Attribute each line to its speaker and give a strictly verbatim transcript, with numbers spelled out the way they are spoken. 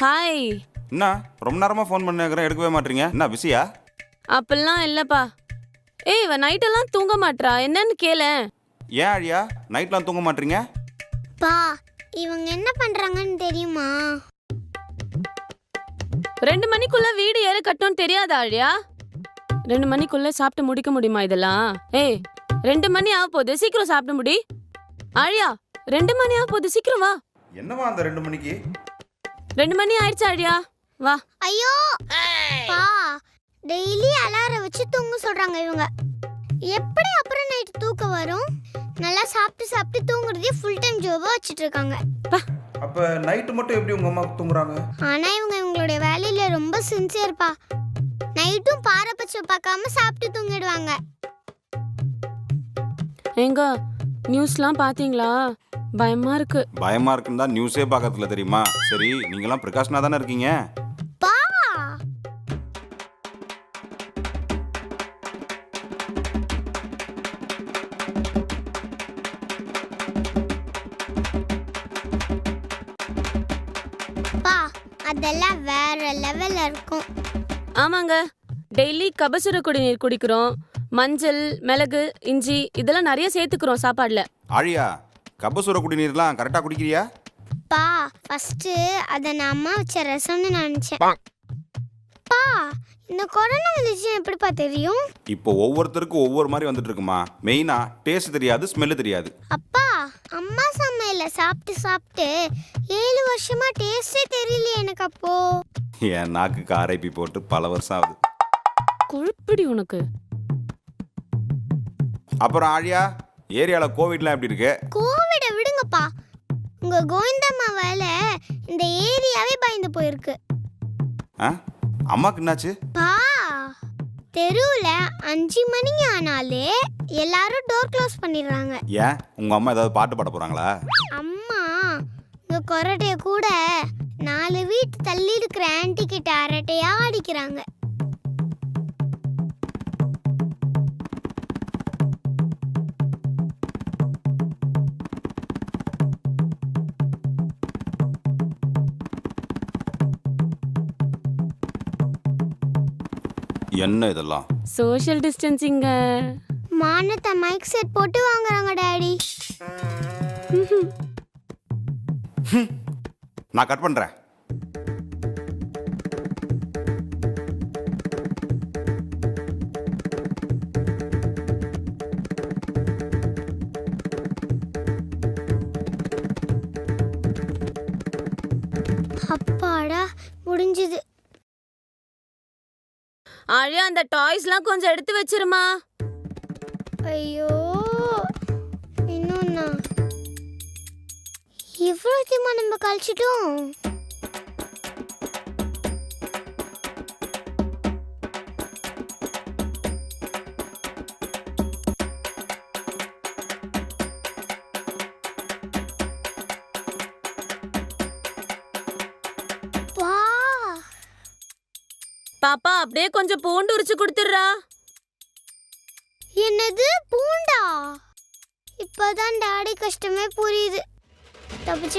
Speaker 1: Hi.
Speaker 2: என்ன ரொம்ப நேரமா ஃபோன் பண்ணிக்கிறேன், எடுக்கவே மாட்டீங்க? என்ன பிஸியா?
Speaker 1: அப்பெல்லாம் இல்லப்பா. ஏய், இவ நைட்டெல்லாம் தூங்க மாட்றா, என்னன்னு கேளேன்.
Speaker 2: ஏன் அழியா நைட்லாம் தூங்க மாட்டீங்க?
Speaker 3: பா, இவங்க என்ன பண்றாங்கன்னு தெரியுமா?
Speaker 1: ரெண்டு மணிக்குள்ள வீடு ஏற கட்டணும்னு தெரியாதா அழியா? ரெண்டு மணிக்குள்ள சாப்பிட்டு முடிக்க முடியுமா இதெல்லாம்? ஏய், ரெண்டு மணி ஆக போகுது, சீக்கிரம் சாப்பிட்டு முடி. அழியா, ரெண்டு மணி ஆக போகுது, சீக்கிரம் வா.
Speaker 2: என்னவா அந்த ரெண்டு மணிக்கு?
Speaker 1: ரெண்டு மணி ஆயிடுச்சு அழியா, வா.
Speaker 3: ஐயோ பா, டெய்லி அலாரம் வச்சு தூங்க சொல்றாங்க இவங்க. எப்படி அப்புறம் நைட் தூக்கம் வரும்? நல்லா சாப்பிட்டு சாப்பிட்டு தூங்குறதே ஃபுல் டைம் ஜாபா வச்சிட்டு இருக்காங்க.
Speaker 2: அப்ப நைட் மட்டும் எப்படி உங்க அம்மா தூங்குறாங்க?
Speaker 3: ஆனா இவங்க இவங்களுடைய வேலையில ரொம்ப சின்சியர்ப்பா. நைட்டும் பாரபட்சம் பார்க்காம சாப்பிட்டு தூங்கிடுவாங்க.
Speaker 1: எங்க நியூஸ்லாம் பாத்தீங்களா? பயமா இருக்கு.
Speaker 2: பயமா இருக்குன்னு தான் நியூஸே பார்க்கறதுல தெரியுமா? சரி, நீங்களாம் பிரிகாஷனா தானே இருக்கீங்க?
Speaker 3: பா, பா, அதெல்லாம் வேற லெவல்ல இருக்கும்.
Speaker 1: ஆமாங்க, டெய்லி கபசுர குடிநீர் குடிக்கிறோம். மஞ்சள், மிளகு, இஞ்சி இதெல்லாம் நிறைய சேர்த்துக்கிறோம் சாப்பாடுல.
Speaker 2: ஆழியா, கபசுர குடிநீர்லாம் கரெக்டா குடிக்கிறியா?
Speaker 3: பா, ஃபர்ஸ்ட் அத நான் அம்மா வச்ச ரசம்னு நினைச்சேன். பா, இந்த கொரோனா வந்துச்சு எப்படிப்பா தெரியும்?
Speaker 2: இப்போ ஒவ்வொருத்தருக்கும் ஒவ்வொரு மாதிரி வந்துட்டு இருக்குமா. மெயினா டேஸ்ட் தெரியாது, ஸ்மெல் தெரியாது.
Speaker 3: அப்பா, அம்மா சமையல சாப்பிட்டு சாப்பிட்டு ஏழு வருஷமா டேஸ்டே தெரியலையே எனக்கு. அப்போ
Speaker 2: என் நாக்குக்கு ஆரைப்பி போட்டு பல வருஷம் ஆகுது.
Speaker 1: கொழுப்பிடி உனக்கு.
Speaker 2: அப்புறம் ஆழியா, ஏரியால கோவிட்லாம் எப்படி இருக்கு?
Speaker 3: கோவிட விடுங்கப்பா, உங்க கோவிந்தம்மாவால இந்த ஏரியாவே பயந்து போயிருக்கு.
Speaker 2: ஆ, அம்மாக்கு என்னாச்சு?
Speaker 3: பா, தெருவுல அஞ்சு மணி ஆனாலே எல்லாரும் டோர் க்ளோஸ் பண்ணிடுறாங்க.
Speaker 2: ஏன் உங்க அம்மா ஏதாவது பாட்டு பாட போறாங்களா?
Speaker 3: அம்மா உங்க கொரட்டைய கூட நாலு வீட்டு தள்ளி இருக்கிற ஆன்டி கிட்ட அரட்டையா அடிக்கிறாங்க.
Speaker 2: என்ன இதெல்லாம்?
Speaker 1: சோஷியல் டிஸ்டன்சிங்க.
Speaker 3: மானத்தை மைக் செட் போட்டு வாங்குறாங்க டாடி.
Speaker 2: நான் கட் பண்றேன்.
Speaker 3: அப்பாடா, முடிஞ்சது.
Speaker 1: அழியா, அந்த டாய்ஸ்லாம் கொஞ்சம் எடுத்து வச்சிருமா.
Speaker 3: ஐயோ, இன்னொன்னா இவ்வளோத்தையுமா நம்ம கழிச்சிட்டோம்? வா,
Speaker 1: பாப்பா, அப்படியே கொஞ்சம் பூண்டு உரிச்சு கொடுத்துடுறா.
Speaker 3: என்னது பூண்டா? இப்பதான் டாடி கஷ்டமே புரியுது. தப்பிச்சு